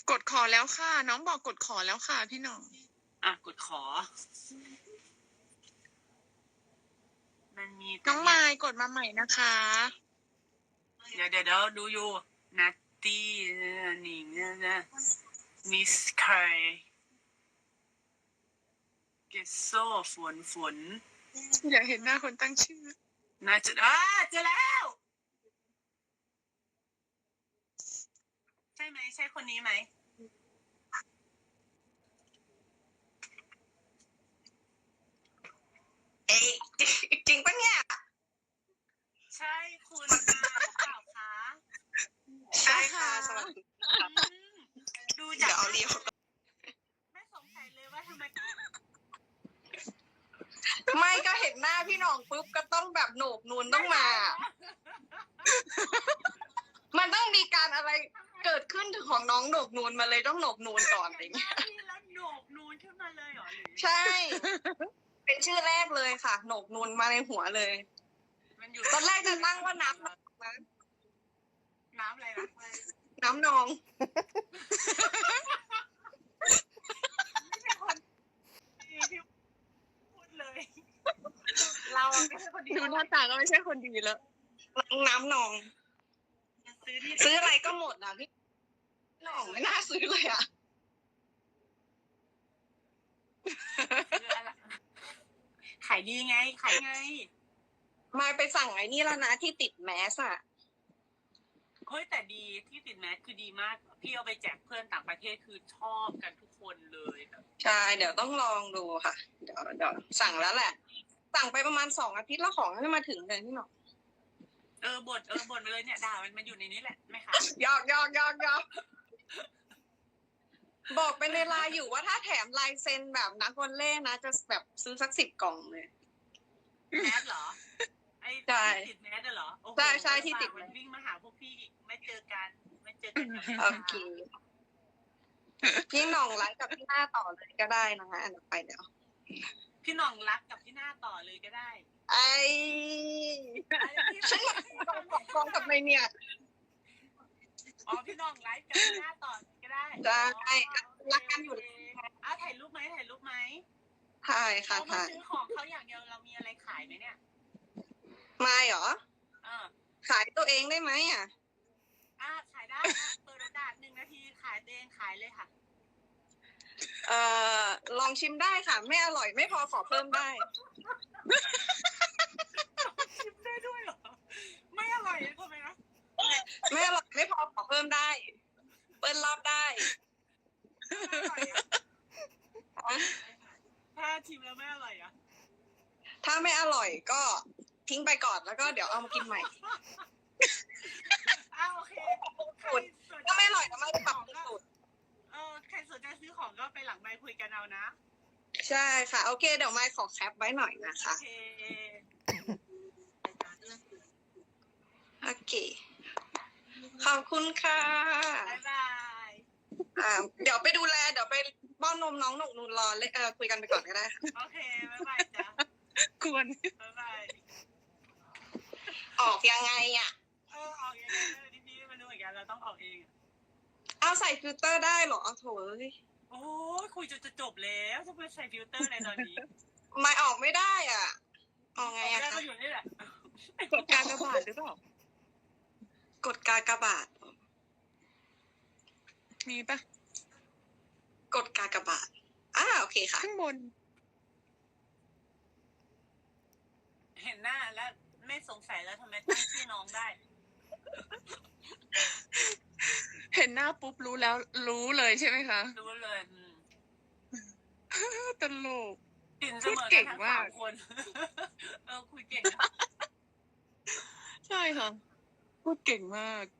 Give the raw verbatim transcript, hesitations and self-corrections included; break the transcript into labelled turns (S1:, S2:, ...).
S1: กดขอแล้วค่ะน้องบอกกดขอแล้วค่ะพี่หน้อง
S2: อ่ะกดขอมันมี
S1: น้องไมค์กดมาใหม่นะคะ
S2: เดี๋ยวเดี๋ยวเดี๋ยวดูอยู่นัตตี้นี่นะมิสไคเกสโซฝนฝน
S1: อยากเห็นหน้าคนตั้งชื่อ
S2: น่าจะอ่าเจอแล้วใช่ไหมใช่คนนี้ไหม
S3: เอ๊ะจริงปะเนี่ย
S2: ใช่คุณนะเปล่าคะ
S3: ใช่ค่ะสวัสดี
S2: ดูจาก
S3: เดี๋ยวเอาเรียว
S2: ไม่สงสัยเลยว่าทำไม
S3: ไม่ก็เห็นหน้าพี่หน่องปุ๊บก็ต้องแบบโหนกนูนต้องมา มันต้องมีการอะไรเกิดขึ้นของน้องโหนกนูนมาเลยต้องโหนกนูนก่อนอะไรเงี้ย
S2: แล้วโหนกนูนขึ้นมาเลยเหรอหรือ
S3: ใช่ เป็นชื่อแรกเลยค่ะโหนกนูนมาในหัวเลยตอนแรกจะตั้งว่าน้ำนะ
S2: น้ำอะไรนะ
S3: น้ำนอง
S2: ไม่ใช่คนดีที่พูดเลยเราไม่ใช่คนดี
S1: ดูหน้าตาก็ไม่ใช่คนดีแล้ว
S3: น้ำนองซื้ออะไรก็หมดนะพี่หน่องไม่น่าซื้อเลยอ่ะ
S2: ขายดีไงขายไง
S3: มาไปสั่งไอ้นี่แล้วนะที่ติดแมสอ่ะ
S2: เฮ้ยแต่ดีที่ติดแมสคือดีมากพี่เอาไปแจกเพื่อนต่างประเทศคือชอบกันทุกคนเลย
S3: ใช่เดี๋ยวต้องลองดูค่ะเดี๋ยวเดี๋ยวสั่งแล้วแหละสั่งไปประมาณสองอาทิตย์แล้วของจะมาถึงเลยพี่หน่อง
S2: เออบ่นเออบ่นไปเลยเนี่ยด่ามันมาอยู่ในนี้แหละไหมคะ
S3: ยอกยอกยอกยอกบอกเป็นในไลน์อยู่ว่าถ้าแถมลายเซ็นแบบนักวอลเล่นะจะแบบซื้อสักสิบกล่องเลย
S2: แมสเหรอไอ้ติดแมสเหรอ
S3: ใช่ใช่ที่ติด
S2: มันวิ่งมาหาพวกพี่ไม่เจอกันไม่เจอกัน
S3: โอเคพี่หน่องไลฟ์กับพี่หน้าต่อเลยก็ได้นะคะอันต่อไปเดี๋ยว
S2: พี่หน่องรักกับพี่หน้าต่อเลยก็ได้
S3: ไอ้ฉันมาฟ้องฟ้องกับในเนี่ย
S2: อ๋อพี่หน่องไลฟ์กับพี่หน้าต่อก็ได้
S3: ใช่รักกันอยู่
S2: อ้าวถ่ายรูปไหมถ่ายรูปไหม
S3: ถ่ายค่ะถ่าย
S2: ซื้อของเขาอย่างเดียวเรามีอะไรขายไหมเนี่ย
S3: ไม่หรอขายตัวเองได้ไหมอ่ะ
S2: อ่าขายได้เปิดโอกาสหนึ่งนาทีขายตัวเองขายเลยค่ะ
S3: เอ่อลองชิมได้ค่ะไม่อร่อยไม่พอขอเพิ่มได้
S2: ชิมได้ด้วยเหรอไม่อร่อยทำไมนะ
S3: ไม่อร่อยไม่พอขอเพิ่มได้เปิ้ลรอบได้
S2: ถ้าชิมแล้วไม่อร่อยอ่ะ
S3: ถ้าไม่อร่อยก็ทิ้งไปก่อนแล้วก็เดี๋ยวเอามากินใหม่
S2: อ้าวโอเค
S3: ถ้าไม่อร่อยก็ไม่ปรับสูตร
S2: เออใครสนใจซื้อของก็ไปหลังไมค์คุยกันเอานะ
S3: ใช่ค่ะโอเคเดี๋ยวไมค์ขอแคปไว้หน่อยนะคะ
S2: โอเค
S3: โอเคขอบคุณค่ะ
S2: บ๊ายบาย
S3: อ่าเดี๋ยวไปดูแลเดี๋ยวไปป้อนนมน้องหนุกนูนรอเลยเออคุยกันไปก่อนก็ได้ค่ะ
S2: โอเคบ๊ายบายจ้ะ
S1: ควร
S2: บ๊ายบาย
S3: ออกยังไงอ่ะ
S2: เออออกยังไงดิพี่ไม่รู้เหมือนกันเราต้องออกเอง
S3: เอาใส่ฟิลเตอร์ได้เหรอโถย
S2: โอ้ยคุยจนจะจบแล้วจะไปใส่ฟิลเตอร์ในตอนนี้
S3: ไม่ออกไม่ได้อ่ะออกไงอ่ะ
S2: ก็อยู่นี่แหละ
S1: กดการกระบาดหรือเปล่าก
S3: ดกากบาท
S1: มีปะ
S3: กดกากบาทอ่าโอเคค่ะ
S1: ข้างบน
S2: เห็นหน้าแล้วไม่สงสัยแล้วทำไมตั้งชื่อน้องได้
S1: เห็นหน้าปุ๊บรู้แล้วรู้เลยใช่ไหมคะ
S2: รู้เลย
S1: ตลก
S2: พูดเก่งมากคนเออคุยเก่ง
S1: ใช่ค่ะพูดเก่งมาก